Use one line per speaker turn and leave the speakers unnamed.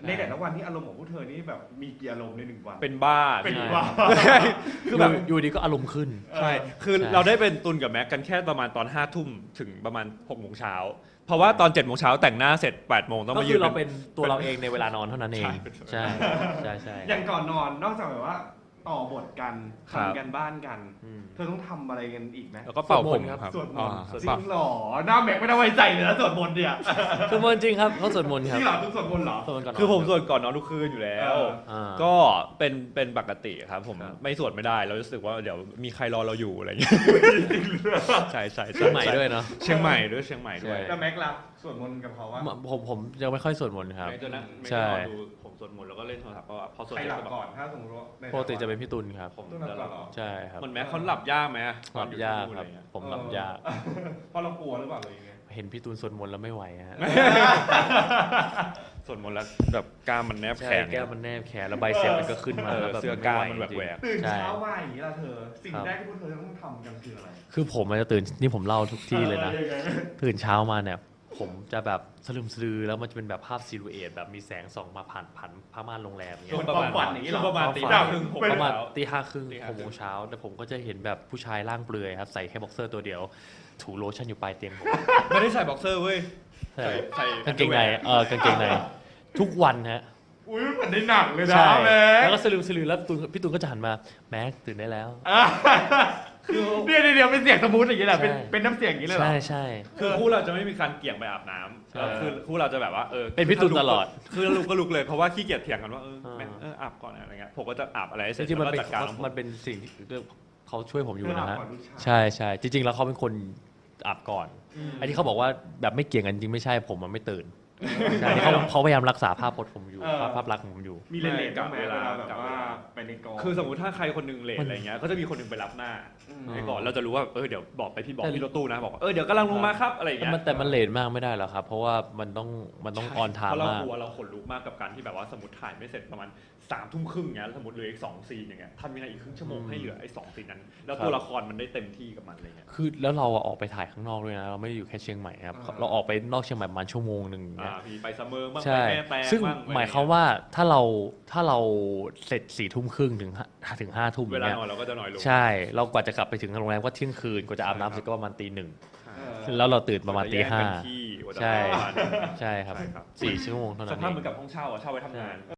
ในแต่ละวันที่อารมณ์ของพวกเธอนี่แบบมีกี่อารมณ์ใน1 วัน
เป็นบ้า
เป็นบ้า
คือแบบ
อยู่ดีก็อารมณ์ขึ้น
ใช่คือเราได้เป็นตุนกับแม็กกันแค่ประมาณตอน5 ทุ่มถึงประมาณ6 โมงเช้าเพราะว่าตอน7 โมงเช้าแต่งหน้าเสร็จ8 โมงต้อง
ก็
มา
คื
ยื
อน เราเป็นตัวเราเองในเวลานอนเท่านั้นเอง
ใช่
ใช่
อย่างก่อนนอนนอกจากแบบว่าต่อบทกัน
ครับ
ทำกันบ้านกัน
อืม
เธอต้องทำอะไรกันอีกไหม
แล้วก็เป่าผมครับ
สวดมนต์
อ่า
จริงเหรอหน้าแม็กไม่ได้ไว้ใจเลยนะสวดมนต์เนี่ย
สวดมนต์จริงครับเขาสวดมนต์
จ
ครับ
ริงเหรอทุกสวดมนต์เหรอ
สวดมนต์ก่อนนน
คือผมสวดก่อนนอนทุกคืนอยู่แล้ว
อ่า
ก็เป็นปกติครับผม
ครับ
ไม่สวดไม่ได้เรารู้สึกว่าเดี๋ยวมีใครรอเราอยู่อะไรอย่างเงี้ยใช่ใช่
เชียงใหม่ด้วยเนาะ
เชียงใหม่ด้วยเชียงใหม่ด้วย
ใช่
แล้วแม็กล่ะสวดมนต์กับเขาว่า
ผมยังไม่ค่อยสวดมนต์ครับ
ไม่จะนั่งไม่
ใช่
ได้รอดูผมสวดมนต์แล้วก็เล่นโทรศัพท์ก็พอสวด
ใคร
เสร็
ห
จ
ลับ
ก็แบบ
ก่อนถ้าสมมติว่าใน
ปกติจะเป็นพี่ตุลครับ
ผม
ต้องหลับก่อนเหรอ
ใช่ครับ
เหมือนแม้เขาหลับยากไหม
หลับยากครับ ผมหลับยาก
เพราะเรากลัวหรือเปล่าหรือยังไง
เห็นพี่ตูนสวดมนต์แล้วไม่ไหวฮะ
สวดมนต์แล้วแบบกล้ามมันแนบแข
ใช่
น
แก้วมันแนบแขนแล้วใบเสร็จมันก็ขึ้นมาแล้วแบบ
เสื้อกล้ามมันแบบแหวก
ตื่น
ใช่
เช้ามาอย่างนี้ล่ะเธอ สิ่ง
ครับ
แรกที่พวกเธอต้องทำกันคืออะไร
คือผมมันจะตื่นนี่ผมเล่าทุกที่เลยนะ
ยังไง
ตื่นเช้ามาเนี่ยผมจะแบบสลืมสลือแล้วมันจะเป็นแบบภาพซิลูเอตแบบมีแสงส่องมาผ่านผ้าม่านโรงแรมอย่างเงี้
ช่วง
ย
ประมาณ
ความฝันอย่างนี้เหรอ
ช่วงประมาณตี
ความฝัน
5 ครึ่ง
ประมาณ
เช้า
ตี 5 ครึ่ง
ตี
6
5
โมงเช้าแต่ผมก็จะเห็นแบบผู้ชายร่างเปลือยครับใส่แค่บ็อกเซอร์ตัวเดียว ถูโลชั่นอยู่ปลายเตียงผม
ไม่ได้ใส่บ็อกเซอร์เว้ย
ใช่
ใส่
กางเกงในกางเกงในทุกวันฮะ
อุ้ยมันเหมือนในหนังเลยนะ
ใช่
แม็
แล้ว
ก
ก็สลืมสลือแล้วพี่ตูนก็จะหันมาแม็กตื่นได้แล้ว
เดี๋ยวเป็นเสียงสมูทอย่างนี้แหละ
ใช่
เป็นน้ำเสียงอย่างนี้เลยเหรอ
ใช่
คือคู่เราจะไม่มีการเกี่ยงไปอาบน้ำ
ใช่
คือคู่เราจะแบบว่า
เป็นพี่ตูนตลอด
คือลุกก็ลุกเลยเพราะว่าขี้เกียจเถียงกันว่า
อ่า
แม่อาบก่อนอะไรเงี้ยผมก็จะอาบอะไรให้เส
จ
ร็จ
ริงๆมัน
แล้ว
เป็น
ก็จัดการของผม
มันเป็นสิ่งที่เขาช่วยผมอยู่นะฮะ
เธออาบก่อนลูกชาย
ใช่จริง ๆ แล้วเขาเป็นคนอาบก่อนไอ้ที่เขาบอกว่าแบบไม่เกี่ยงกันจริงไม่ใช่ผมมันไม่ตื่นใช่เขาพยายามรักษาภาพพจน์ผมอยู่ภาพลักษณ์ของผมอยู่
มีเลนๆบ้างไหมเวลาแบบว่าไปในกอง
คือสมมติถ้าใครคนหนึงเลทอะไรเงี้ยก็จะมีคนหนึงไปรับหน้า
อืม
ให้ก่อนเราจะรู้ว่าเดี๋ยวบอกไปบอก
แต่
พี่รถตู้นะบอกว่าเดี๋ยวกำลังลงมาครับอะไรอย่างเงี้ย
แต่มันเลทมากไม่ได้หรอกครับ เพราะว่ามันต้องออนไท
เพ
ม์
ราะเรา
มาก
กลัวเราขนลุกมากกับการที่แบบว่าสมมติถ่ายไม่เสร็จประมาณ3 ทุ่มครึ่งเงี้ยสมมติเหลืออีก2 ซีนอย่างเงี้ยทำยังไงอีกครึ่งชั่วโมงให้เหลือไอ้2 ซีนนั้น แล้วตัวละครมันได้เต็มที่กับมันอะไรเงี้ย
คือแล้วเราออกไปถ่ายข้างนอกด้วยนะเราไม่ได้อยู่แค่เชียงใหม่ครับเราออกไปนอกเชียงใหม่ประมาณชั่วโมงหนึ่งอย่างเงี้ย
มีไปซัมเมอร์บ้างไป
ใช่
แม่แตง
ซึ่ง
บ้าง
หมายความว่าถ้าเราเสร็จ4 ทุ่มครึ่งถึง5 ทุ่มอ
เว
ย่าง
ลา
เงี้ย
นอนเราก็จะน้อยลง
ใช่เรากว่าจะกลับไปถึงโรงแรมก็เที่ยงคืนกว่าจะอาบน้ำเสร็จก็ประมาณตี 1แล้วเราตื่นประมาณตี 5
ที่
ใช่
ประมาณนั้น
ใช่ครับ
ใช่ครับ
4 ชั่วโมงเท่า
ส
นั้น
ภาพ
เอ
เหมื
ง
อนกับห้องเช่าเช่าไว้ทำงาน